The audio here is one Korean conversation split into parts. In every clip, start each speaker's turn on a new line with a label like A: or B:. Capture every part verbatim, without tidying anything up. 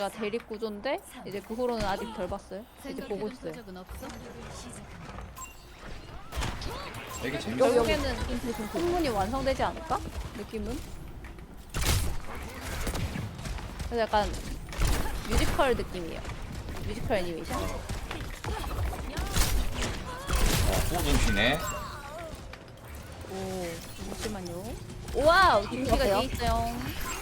A: 대립 구조인데 이제 그 후로는 아직 덜 봤어요. 이제 보고 있어요.
B: 되게 재밌어.
A: 결국에는 풍문이 완성되지 않을까? 느낌은? 그래서 약간 뮤지컬 느낌이에요. 뮤지컬 애니메이션.
B: 어, 호좀 쉬네.
A: 오, 잠시만요. 와우, 김치가 뒤에 있어요.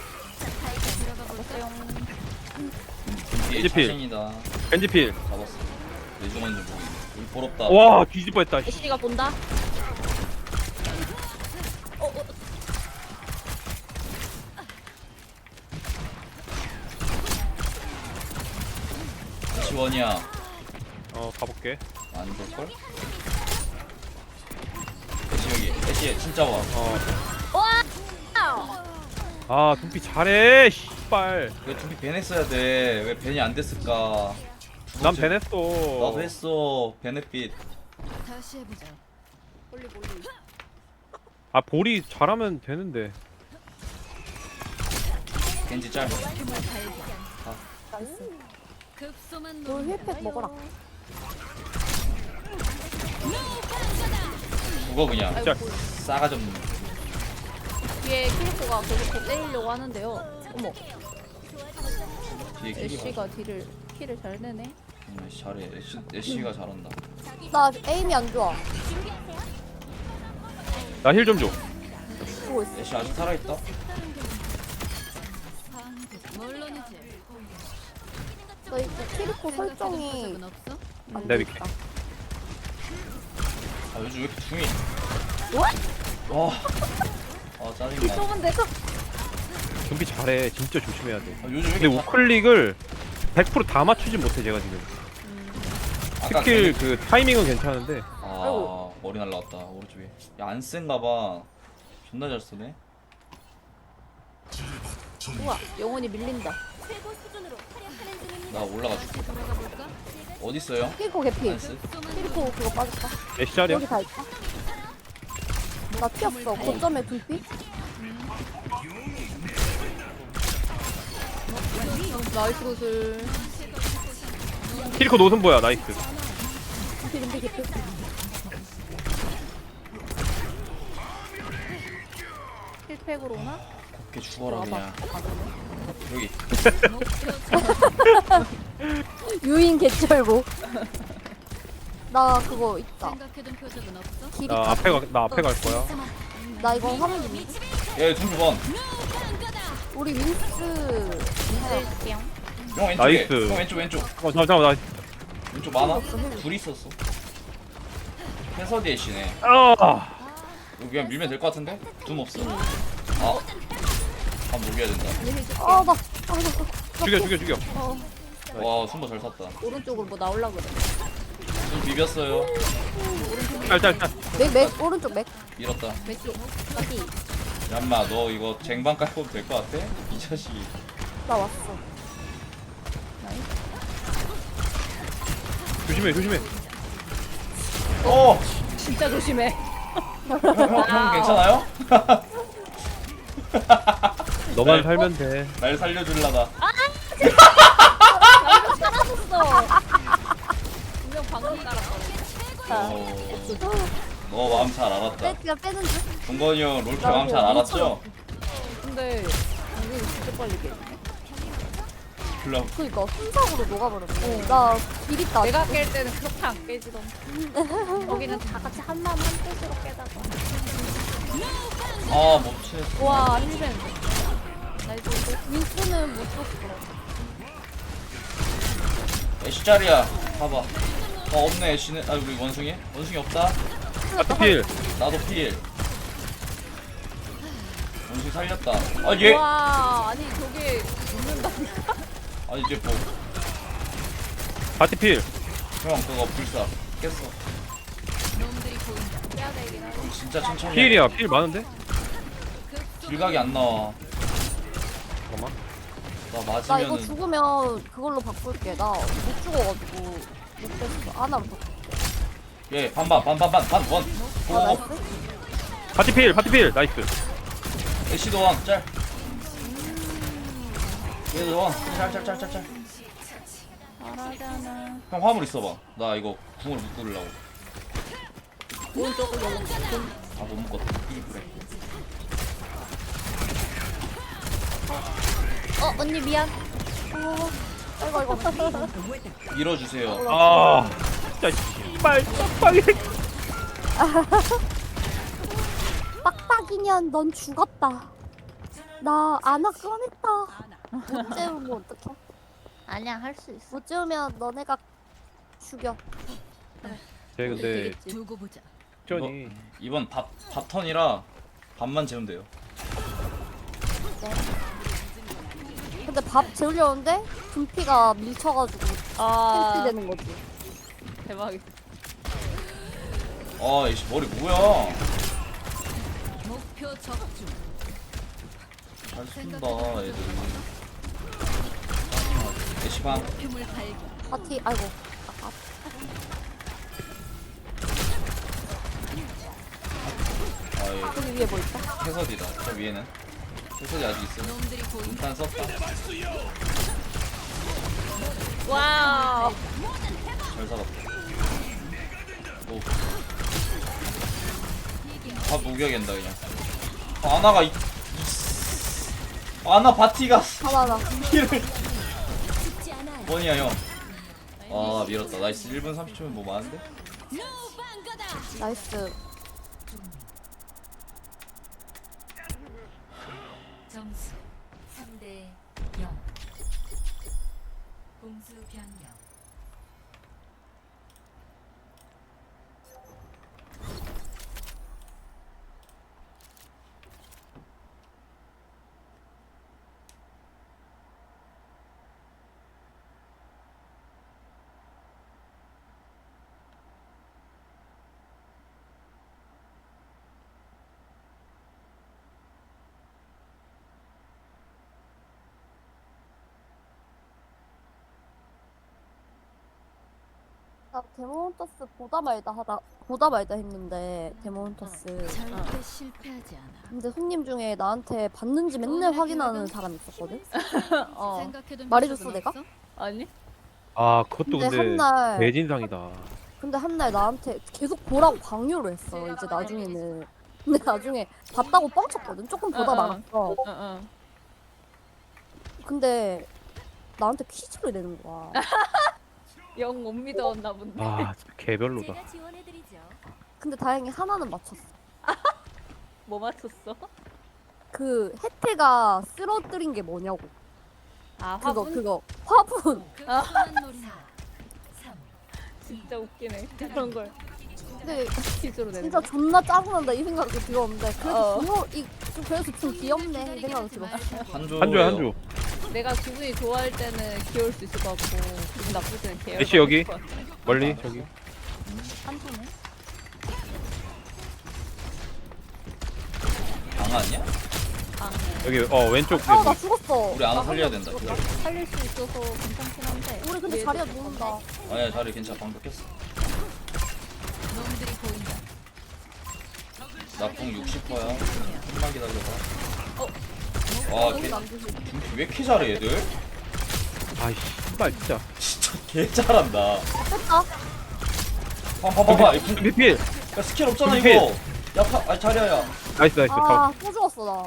A: 잡았어요.
B: 뒤에
C: 겐지필.
B: 자신이다.
C: 겐지필.
B: 잡았어. 내중한 줄 모르겠네. 우리 부럽다.
C: 와 뒤질 뻔했다.
A: 애쉬가 본다. 어, 어.
B: 지원이야.
C: 어 가볼게.
B: 안 될걸? 애쉬 여기. 애쉬 진짜 와.
C: 어.
A: 와!
C: 아 둠피 잘해. 씨발.
B: 왜 둘이 벤 했어야 돼? 왜 벤이 안 됐을까?
C: 난 벤했어.
B: 나도 했어. 베넷빛.
D: 다시 해보자.
A: 멀리 멀리.
C: 아 볼이 잘하면 되는데.
B: 겐지 짤.
D: 급소만
E: 너 힐팩 먹어라.
B: 죽어 그냥.
A: 아이고,
C: 짤.
A: 볼.
B: 싸가지 없는.
A: 뒤에 키리코가 계속 때리려고 하는데요. 어머,
B: 뒤에 킬이
A: 애쉬가 딜을 킬을 잘 내네.
B: 음, 애쉬 잘해. 애쉬, 애쉬가 잘한다.
E: 나 에임이 안 좋아.
C: 나 힐 좀 줘.
E: 보고 있어.
B: 애쉬 아직 살아있다.
D: 물론이지.
E: 나 이거 키리코 설정이
D: 적은 없어?
E: 안
C: 내
E: 돼
C: 밑에.
E: 있다.
B: 아 요즘 왜 이렇게 중이?
E: What?
B: 와. 아 짜증나.
A: 쏘면 내가
C: 둠피 잘해. 진짜 조심해야 돼.
B: 아, 요즘 왜
C: 근데
B: 이렇게 자-
C: 우클릭을 백 퍼센트 다 맞추진 못해 제가 지금.
B: 아까
C: 스킬
B: 걔네-
C: 그 타이밍은 괜찮은데.
B: 아
E: 아이고.
B: 머리 날라왔다 오른쪽에. 야 안 센가봐. 존나 잘 쓰네.
A: 우와 영혼이 밀린다.
B: 나 올라가줄게.
D: 돌아가 볼까?
B: 어디 있어요?
E: 키리코 개피.
B: 나이스.
E: 키리코 그거 빠졌다.
C: 애쉬 자리야.
E: 여기 다 있다. 나 튀었어. 거점에 두피?
A: 나이스 구슬.
C: 키리코 노선보야. 나이스.
E: 두피 두피 개피.
A: 힐팩으로 오나?
B: 곱게 죽어라 그냥. 여기.
E: 유인 개쩔보. 나 그거 있다.
D: 생각해둔 표적은 없어?
E: 길이
C: 나 앞에 가, 나 앞에 갈 거야.
E: 나 이거 화면 좀.
B: 야 둠피 번.
E: 우리 윈스
A: 쓸게요.
B: 형 왼쪽에.
C: 나이스.
B: 형 왼쪽 왼쪽.
C: 어 잠깐 나.
B: 왼쪽 많아? 둘이 있었어. 해서디 애쉬네.
C: 아.
B: 여기 그냥 밀면 될 것 같은데? 둠 없어. 아. 아 녹여야 된다.
E: 아, 나. 아, 나.
C: 죽여 죽여 죽여.
E: 어.
B: 와 순보 잘 탔다.
A: 오른쪽으로 뭐 나올라 그래.
B: 둠 비볐어요.
C: 짤짤짤.
E: 맥, 맥, 오른쪽 맥.
B: 밀었다.
A: 왼쪽 여기.
B: 얌마 너 이거 쟁반 깔고 될 것 같아? 이 자식이.
E: 나 왔어.
C: 조심해 조심해.
B: 어!
A: 진짜 조심해.
B: 형, 형, 형 괜찮아요?
C: 너만
B: 네.
C: 살면 돼.
B: 날 살려줄라다.
A: 살았었어. 분명 방금 따랐거든.
B: 어, 너 마음 잘 알았다.
E: 빼기가 빼는 중.
B: 동건이 형 롤케 마음 잘 알았죠?
A: 근데 방금 진짜 빨리 깨.
B: 그럼
E: 그니까 순삭으로 녹아버렸네. 나 길 있다.
A: 내가 깰 때는 그렇게 안 깨지던. 거기는 다 같이 한 마음 한 뜻으로 깨다가.
B: 아 못치겠어.
A: 와 힐벤. 나이스.
E: 윈스는 못 줬어.
B: 애쉬 짤이야. 봐봐. 어 없네 애쉬는. 아 우리 원숭이? 원숭이 없다.
C: 아트필.
B: 나도 필. 원숭이 살렸다. 아 얘.
A: 와 아니 저게 죽는다니까.
B: 아 이제 뭐.
C: 바티필.
B: 형 그거 불사 깼어.
D: 놈들이 보인다.
A: 깨야 되긴 하지.
B: 형 진짜 천천히.
C: 필이야. 필 많은데?
B: 길각이 안 나와.
C: 잠깐만.
B: 나
E: 나 이거
B: 맞으면은.
E: 죽으면 그걸로 바꿀게. 나 못 죽어가지고 못 됐어. 하나로 바꿀게.
B: 예 반반 반반 반반 원.
E: 아,
B: 오.
E: 나이스.
C: 바티필 바티필. 나이스.
B: 애쉬도 왕 짤. 얘들 와. 짤짤짤짤짤.
A: 잘하잖아.
B: 형 화물 있어봐. 나 이거 궁을 못 뚫으려고.
A: 오른쪽으로
B: 아못 묶었다. 이 그래.
A: 어 언니 미안.
E: 어, 아이고 아이고.
B: 밀어주세요.
C: 아 진짜 씨발 빡빡이.
E: 빡빡이년 넌 죽었다. 나 아나 꺼냈다. 못 재우면 어떡해?
A: 아니야 할 수 있어.
E: 못 재우면 너네가 죽여.
C: 쟤 근데
A: 되겠지.
D: 두고 보자.
C: 전이
B: 이번 밥 밥턴이라 밥만 재우면 돼요.
E: 근데 밥 재우려는데 분피가 밀쳐가지고
A: 아
E: 캔슬 되는 거지.
A: 대박이다.
B: 아 이씨 머리 뭐야?
D: 목표 적중.
B: 잘 쏜다 애들. 애쉬 반.
D: 표물 발견.
E: 파티 아이고. 아,
B: 아예
E: 아, 저기 위에 뭐 있다?
B: 해설이다. 저 위에는 해설이 아직 있어.
D: 놈들이 보인다.
B: 일단 썼다.
A: 와우.
B: 잘 살았다. 오. 다 녹여야겠다 그냥. 아, 아나가 이, 이 아나 바티가
E: 봐봐라.
B: 힐을 뭐냐 형. 아 밀었다. 나이스. 일 분 삼십 초면 뭐 많은데?
E: 나이스.
F: 점수 삼 대 영. 공수 변경.
E: 나 데몬터스 보다 말다 하다 보다 말다 했는데 데몬터스.
D: 절대 실패하지 않아.
E: 근데 손님 중에 나한테 받는지 맨날 확인하는 사람 있었거든.
A: 어
D: 생각해둔
E: 말해줬어,
D: 적은
E: 내가?
D: 없어?
A: 아니?
C: 아 그것도
E: 근데
C: 근데
E: 한날
C: 대진상이다.
E: 근데 한 날 나한테 계속 보라고 강요를 했어. 이제 나중에는. 근데 나중에 봤다고 뻥쳤거든. 조금 보다
A: 어, 어.
E: 말았어.
A: 어어.
E: 근데 나한테 퀴즈를 내는 거야.
A: 영 못 믿어왔나 본데.
C: 아 진짜 개별로다.
F: 제가 지원해드리죠.
E: 근데 다행히 하나는 맞췄어.
A: 뭐 맞췄어?
E: 그 혜태가 쓰러뜨린 게 뭐냐고.
A: 아
E: 그거
A: 화분?
E: 그거 화분.
D: 급선한 놀이다.
F: 삼.
A: 진짜 웃기네. 그런 걸
E: 근데
A: 퀴즈로 내는
E: 진짜
A: 거.
E: 존나 짜증난다 이 생각이 들었는데 그래도
A: 어.
E: 귀여 이 좀 그래서 좀 귀엽네 이 생각이 들었어.
B: 한조.
C: 한조야 한조.
A: 내가 기분이 좋아할 때는 귀여울 수 있을 것 같고 기분 나쁠 때는 계열.
C: 애쉬 여기. 멀리 저기.
A: 한손에?
B: 강 아니야?
C: 여기 어 왼쪽
E: 아 나
C: 여기.
E: 죽었어.
B: 우리 아나
E: 나
B: 살려야
E: 한번
B: 된다.
E: 죽었다.
B: 기다려.
A: 살릴 수 있어서 괜찮긴 한데.
E: 우리 근데
A: 얘들
E: 자리가 모른다.
B: 아니야 자리 괜찮아. 방금 깼어.
D: 놈들이 보인다.
B: 나궁 육십 퍼야. 좀만 기다려봐.
A: 어.
B: 와,
E: 너무
B: 걔
E: 안 주지.
B: 왜 이렇게 잘해 얘들?
C: 아이 씨발 진짜.
B: 진짜 개 잘한다.
E: 뺐다.
B: 봐봐 봐봐. 이 궁-
C: 리필.
B: 야 스킬 없잖아
C: 리필.
B: 이거. 야 파, 아 자리야야.
C: 나이스 나이스. 아.
E: 아또 죽었어 나.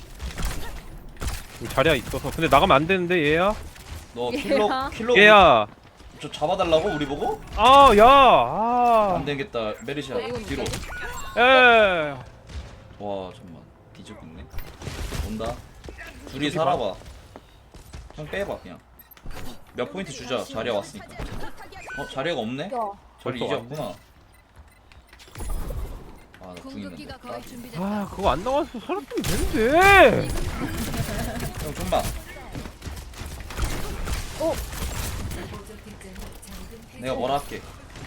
C: 자리야 있어서. 근데 나가면 안 되는데 얘야.
B: 너
A: 얘야.
B: 킬로 킬로
C: 얘야.
B: 저 잡아달라고 우리 보고?
C: 아 야. 아.
B: 안 되겠다. 메리시아
A: 이건
B: 뒤로.
C: 에.
B: 와 잠만 뒤집겠네. 온다. 둘이
C: 여기
B: 살아봐. 형 빼봐 그냥. 몇 포인트 주자. 자리야 왔으니까. 어 자리가 없네?
E: 야
B: 저리
C: 벌써
B: 잊었구나. 아나 궁 있는데.
D: 궁극기가 거의 준비됐다.
C: 아 그거 안 나와서 살았으면 되는데.
B: 형 좀만. 내가 뭐라 할게.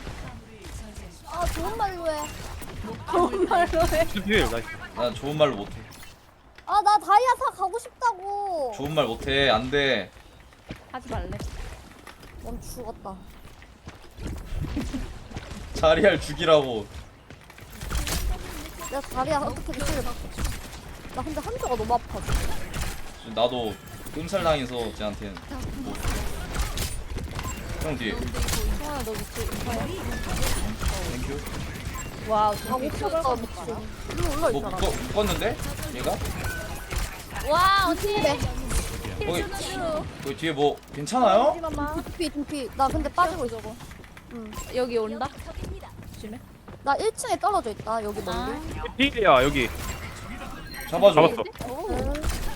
E: 아 좋은 말로 해.
A: 좋은 말로 해.
C: 리필 나이스.
B: 난 좋은 말로 못해.
E: 아 나 다이아사 가고 싶다고.
B: 좋은 말 못해. 안 돼.
A: 하지 말래.
E: 넌 죽었다.
B: 자리할 죽이라고.
E: 내가 다리야 어떻게 미치를 나 근데 한조가 너무 아파.
B: 나도 끔살당해서 쟤한테는 뭐. 형 뒤에
A: 성환아 너 밑에 인파야?
B: 땡큐.
A: 와
E: 아
A: 저기
E: 못 쳤다 미친. 일로 올라
B: 뭐
E: 있잖아.
B: 묶어, 묶었는데? 얘가?
A: 와 언니
B: 거기 거기 뒤에 뭐 괜찮아요?
A: 잠깐만
E: 둠피 둠피. 나 근데 빠지고 있어. 응.
A: 여기 온다? 조심해
E: 나 일 층에 떨어져 있다. 여기
A: 아
E: 멀리.
C: 필이야 여기.
B: 잡아줘.
C: 잡았어.
E: 응.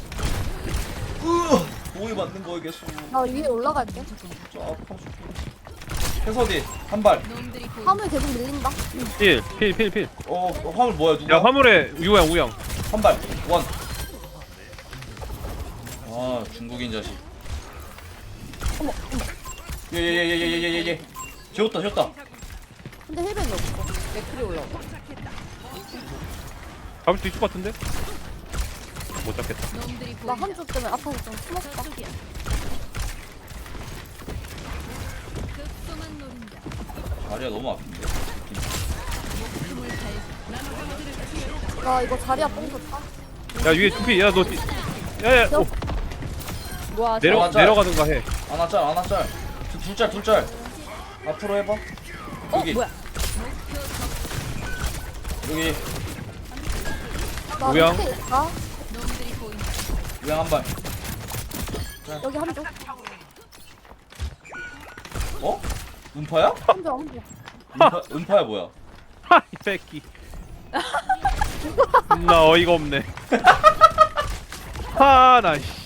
B: 으, 뭐에 맞는 거겠어.
E: 나 위에 올라갈게.
B: 저 아파 죽겠네. 해서디 한 발.
D: 놈들이 보인다.
E: 화물 계속 밀린다.
C: 필, 필, 필, 필.
B: 어, 어 화물 뭐야 누가?
C: 야 화물에 우영, 우영.
B: 한 발. 원. 아 중국인 자식.
E: 어머.
B: 예예예예예예예. 지웠다 지웠다.
E: 근데 힐벤이 없어.
A: 맥클이 올라오고
C: 잡을 수 있을 것 같은데? 못 잡겠다.
D: 놈들이
E: 나
D: 보인다.
E: 한쪽 때문에 아파서 좀 숨었다.
D: 저쪽이야. 급소만 노린다.
B: 다리가 너무 아픈데.
D: 목숨을 발견.
E: 나 이거 자리야 뽕 좋다.
C: 야 위에 투피, 야 너, 뒤- 야, 야, 오,
A: 와
C: 내려
B: 맞아.
C: 내려가든가 해.
B: 하나 짤 하나 짤. 둘- 둘짤 둘짤. 앞으로 해봐.
A: 어
B: 여기
A: 뭐야
B: 여기
E: 나
C: 우영.
E: 밑에 있다.
D: 놈들이 보인다.
B: 우양 한 발.
E: 여기 한 쪽.
B: 어? 음파야?
E: 한 쪽, 한 쪽.
B: 음파, 음파야 뭐야?
C: 하, 이 새끼. 나 어이가 없네. 하, 나 씨.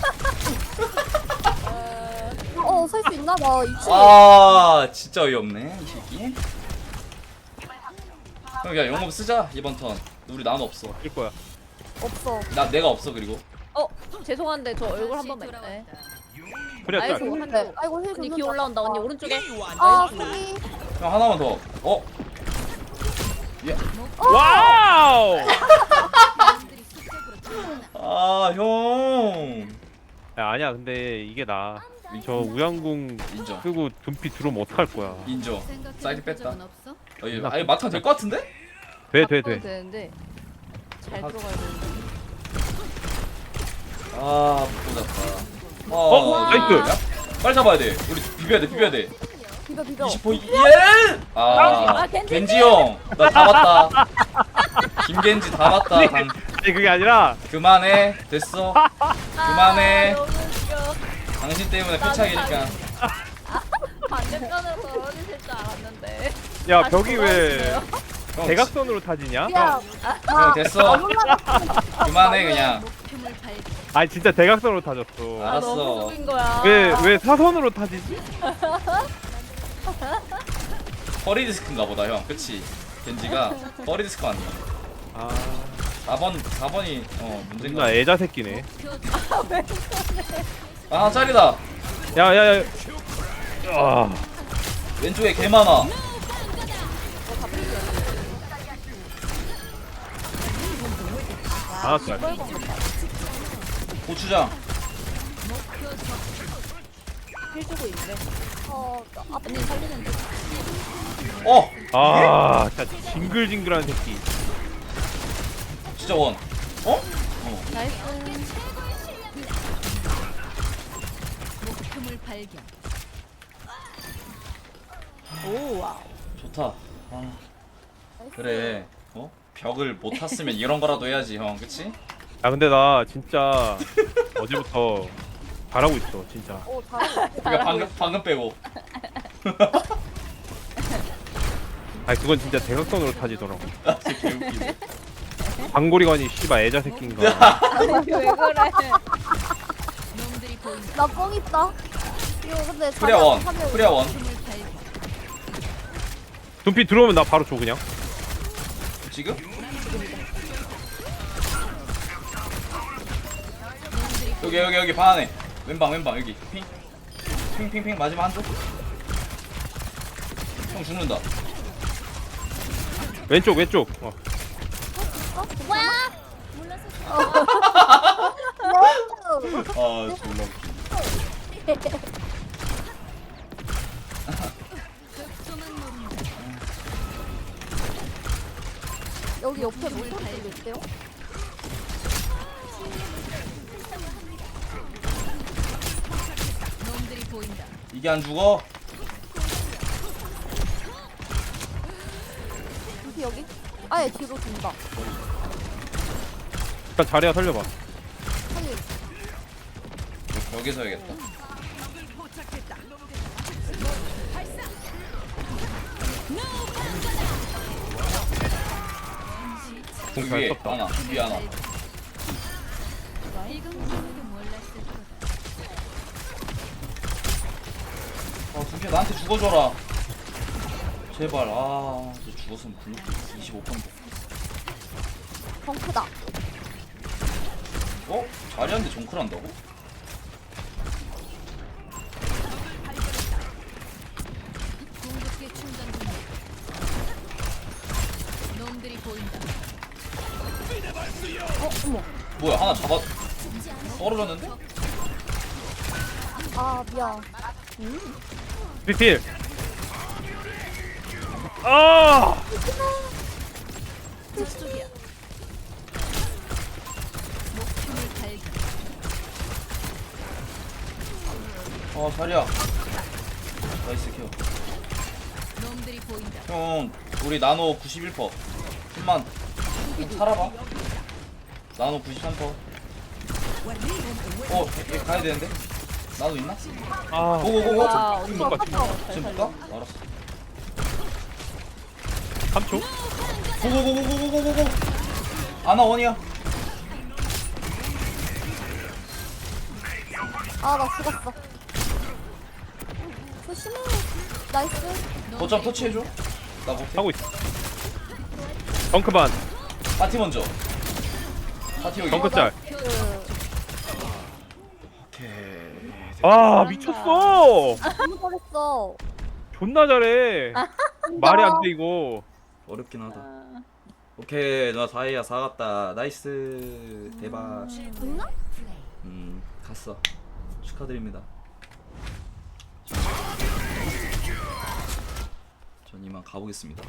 E: 어, 살 수 있나 봐. 이 층에.
B: 아 진짜 어이없네 이 새끼. 형 야 영업 쓰자 이번 턴. 우리 난 없어.
C: 일 거야.
E: 없어.
B: 나 내가 없어 그리고.
A: 어 죄송한데 저 얼굴 한 번만
D: 돌아왔다.
A: 네.
C: 그래,
A: 아이고.
C: 짤.
E: 있는데. 아이고, 힐
A: 언니
E: 좀
A: 기 올라온다 언니
E: 줬다.
A: 오른쪽에
E: 아,
A: 나이스.
E: 소리.
B: 형 하나만 더. 어? 야.
C: 와우!
D: 놈들이 수적으로 들어온다.
B: 아 형.
C: 야, 아니야, 근데 이게 나. 저 우양궁
B: 인정.
C: 쓰고 둠피 들어오면 어떡할 거야.
B: 인정.
D: 생각해본
B: 사이드 뺐다.
D: 적은 없어?
B: 어, 얘, 아니 막타 될 것 같은데?
C: 돼, 돼,
A: 바꿔도
C: 돼.
A: 되는데 잘
B: 아.
A: 들어가야 되는데
B: 아 못잡다. 어,
C: 어, 나이스.
B: 야, 빨리 잡아야 돼. 우리 비벼야 돼 비벼야 돼.
E: 비벼, 비벼.
B: 이십 포인트. 예! 아
A: 아, 겐지.
B: 겐지 형. 나 다 봤다. 김겐지 다 봤다. 당,
C: 아니, 그게 아니라,
B: 그만해. 됐어. 그만해.
A: 아, 너무 웃겨
B: 당신 때문에 패착이니까.
A: 반대편에서 떨어지실 줄 알았는데
C: 야,
A: 다시
C: 벽이 왜
A: 돌아오시네요.
B: 형,
C: 대각선으로 타지냐?
E: 야,
B: 형 됐어. 그만해 그냥.
D: 목표물 발견.
C: 아니, 진짜 대각선으로 타졌어.
A: 아
B: 알았어.
A: 너무 속인 거야
C: 왜, 왜 사선으로 타지지?
B: 허리 디스크인가 보다 형. 그치? 겐지가 허리 디스크 맞나?
C: 아,
B: 사 번 사 번이 어 문제인가?
C: 존나 애자 새끼네.
B: 아 짤이다.
C: 야, 야, 야. 아,
B: 왼쪽에 개 많아.
C: 아, 짤.
B: 고추장.
A: 해주고 있네
E: 어, 앞에
A: 언니 살리는데
B: 어
C: 아, 진짜 징글징글한 새끼.
B: 진짜 원. 어? 어.
A: 나이스
D: 목표물 발견.
A: 오 와우
B: 좋다. 아, 그래. 어? 벽을 못 탔으면 이런 거라도 해야지 형. 그치?
C: 야, 근데 나 진짜 어제부터 잘하고 있어, 진짜.
E: 어, 잘하네.
B: 그러니까 방금 방금 빼고.
C: 아니, 그건 진짜 대각선으로 타지더라고.
B: 아 진짜 개웃기네.
C: 방고리관이 씨발 애자 새끼인가.
A: 아니 왜 그래
D: 놈들이 보인다.
E: 나 뻥 있다. 이거 근데
B: 프리아 원.
E: 자리야
B: 프리아 원.
D: 목표물 발견.
C: 둠피 들어오면 나 바로 줘, 그냥.
B: 지금? 여기 여기 여기 방 안에. 왼방 왼방 여기. 핑. 핑핑핑 마지막 한 쪽. 형 죽는다.
C: 왼쪽, 왼쪽. 어.
E: 어.
B: 아 졸라 웃기네.
D: 급소만 노린다.
E: 여기 옆에 뭐 소리도 있대요?
B: 이게 안 죽어?
E: 여기 여기. 아예 뒤로 돈다.
C: 일단 자리야 살려봐.
E: 살리.
B: 여기서 해야겠다.
C: 공
B: 그
C: 잘
B: 위에
C: 썼다.
B: 하나, 위에 하나.
D: 이건지도 몰랐을 거다.
B: 아, 두개 나한테 죽어줘라. 제발. 아, 이제 죽었으면 블록도 이십오 퍼센트.
E: 덩크다.
B: 어? 자리한테 정클 한다고?
D: 궁극기 충전 중이야. 놈들이 보인다.
E: 어 어머.
B: 뭐야, 하나 잡아. 떨어졌는데?
E: 아 미안.
C: 비필. 아!
D: 저쪽이야. 목표를 발견.
B: 어, 자리야. 나이스 켜.
D: 놈들이 보인다.
B: 형, 우리 나노 구십일 퍼센트. 좀만 좀 살아봐. 나노 구십삼 퍼센트. 어, 얘, 얘 가야 되는데? 나노 있나?
C: 아.
B: 고고고고.
A: 와,
C: 지금 못 가.
B: 지금 볼까? 알았어.
C: 삼 초.
B: 고고고고고고고고. 아나 원이야.
E: 아 나 죽었어. 조심해. 나이스.
B: 거점 터치해줘. 나 못해.
C: 하고 있어. 덩크반.
B: 파티 먼저. 파티 여기.
C: 덩크 짤.
E: 그
B: 오케이.
C: 아 미쳤어.
E: 너무 잘했어.
C: 존나 잘해. 말이 안 돼 이거.
B: 어렵긴 하다. 오케이, 나 다이아 사 갔다. 나이스. 대박.
E: 됐나?
B: 음, 갔어. 축하드립니다. 전 이만 가보겠습니다.